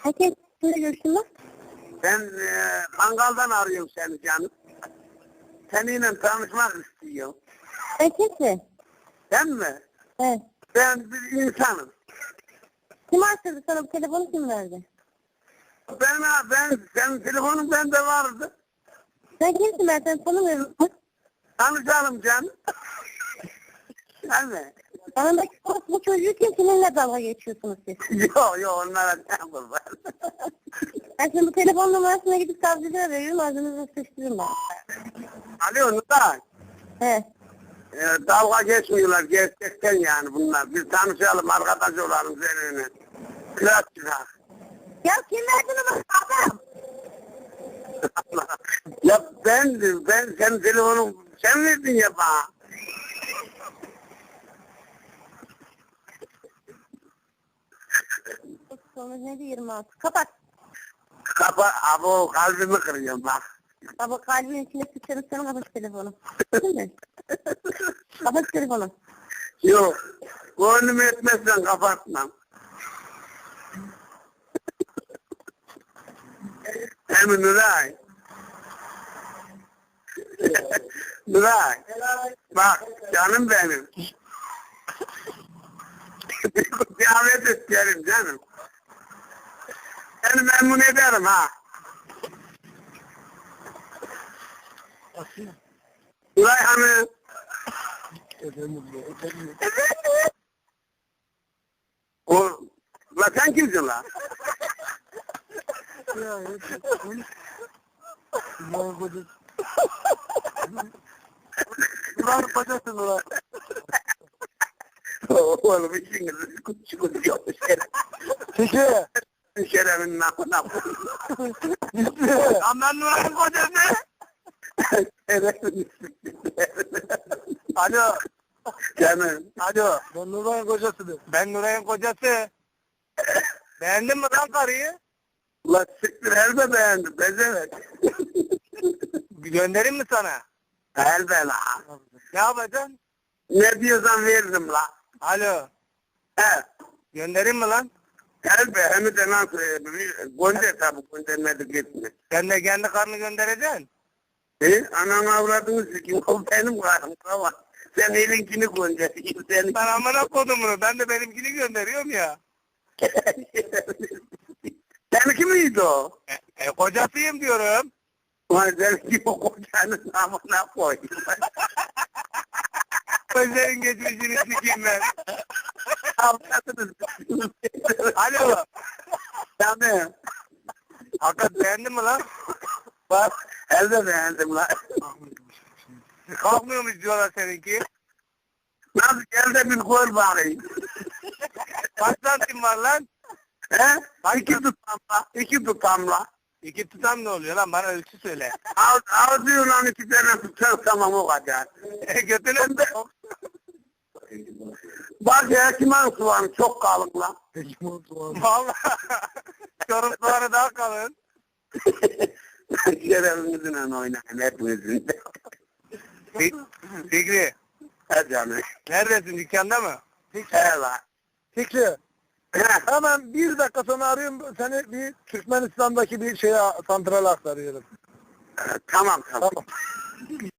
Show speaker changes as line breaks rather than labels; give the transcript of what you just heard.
Herkes kimle görüştün mü?
Ben Kangal'dan arıyorum seni canım. Seninle tanışmak istiyorum.
Sen kimsin?
Sen mi?
Evet.
Ben bir insanım.
Kim açtırdı sana bu telefonu, kim verdi?
Senin telefonun bende vardı.
Sen kimsin, ben seni tanımıyorum.
Tanışalım canım. Sen mi?
Yanındaki bu çocuğu kim, kiminle dalga geçiyorsunuz siz?
Yok onlara sen kurban.
Ben şimdi bu telefon numarasına gidip savcılığa veriyorum, ağzınıza sıçtırırım ben.
Alo Nuray.
He.
Dalga geçmiyorlar gerçekten yani bunlar. Biz tanışalım, arkadaş olalım seninle. Kırat çıkar.
Ya kim verdi numarayı adam?
Ya ben senin telefonun sen verdin ya bana.
Sonra neydi 26? Kapat.
Kapa, abo kalbimi kırıyorum bak.
Baba kalbin içine sıçarım, sana kapat telefonu. Değil mi? Kapat telefonu.
Yok, gönlüm etmezsen kapatmam. Emin Nuray. Nuray. Bak canım benim. Bir davet isterim canım. Seni memnun ederim ha. Nuray Hanım. Efendim. La sen kimsin la? Nuray kocası Nuray. Oğlum işiniz küçük yok.
Peki.
Şerefin namına.
Aman Nuray'ın kocası.
Şerefin.
Alo.
Canım.
Alo. Ben Nuray'ın kocasıdır. Ben Nuray'ın kocası. Beğendin mi lan karıyı?
La siktir elbe beğendim. Bezemek.
Göndereyim mi sana?
Elbe la.
Ne yapacaksın?
Ne diyorsan veririm la.
Alo.
He.
Göndereyim mi lan?
Elbe hem de nasıl gönder tabi göndermedi gitme.
Sen de kendi karını göndereceksin.
Anan avradını sikim. O benim karım kava. Sen elinkini göndereyim. Sen
Ben amına kodumunu. Ben de benimkini gönderiyorum ya.
Seninki miydi o?
Kocasıyım diyorum.
Ulan seninki o kocanın amına koy.
Gözlerin geçmişini sikeyim ben.
Avradını sikim.
Alo.
Canım.
Hakikat beğendin mi lan?
Bak elde beğendim lan.
Kalkmıyormuş diyorlar seninki.
Nasıl elde bir koy bakayım.
Kaç santim var lan?
He? İki tutamla. İki tutamla.
İki tutam ne oluyor lan? Bana ölçü söyle.
Ağzıyla iki tane tutar tamam o kadar.
Götüne de.
Bak ya kimin soğanı çok kalın lan.
Valla. Çorum soğanı daha kalın.
Şerefinizle oynayın hepinizin.
Fikri.
He canım.
Neredesin? Dükkanda mı?
He la.
Fikri.
He.
Hemen bir dakika sonra arıyorum. Seni bir Türkmenistan'daki bir şeye santrale aktarıyorum.
Tamam tamam.
Tamam.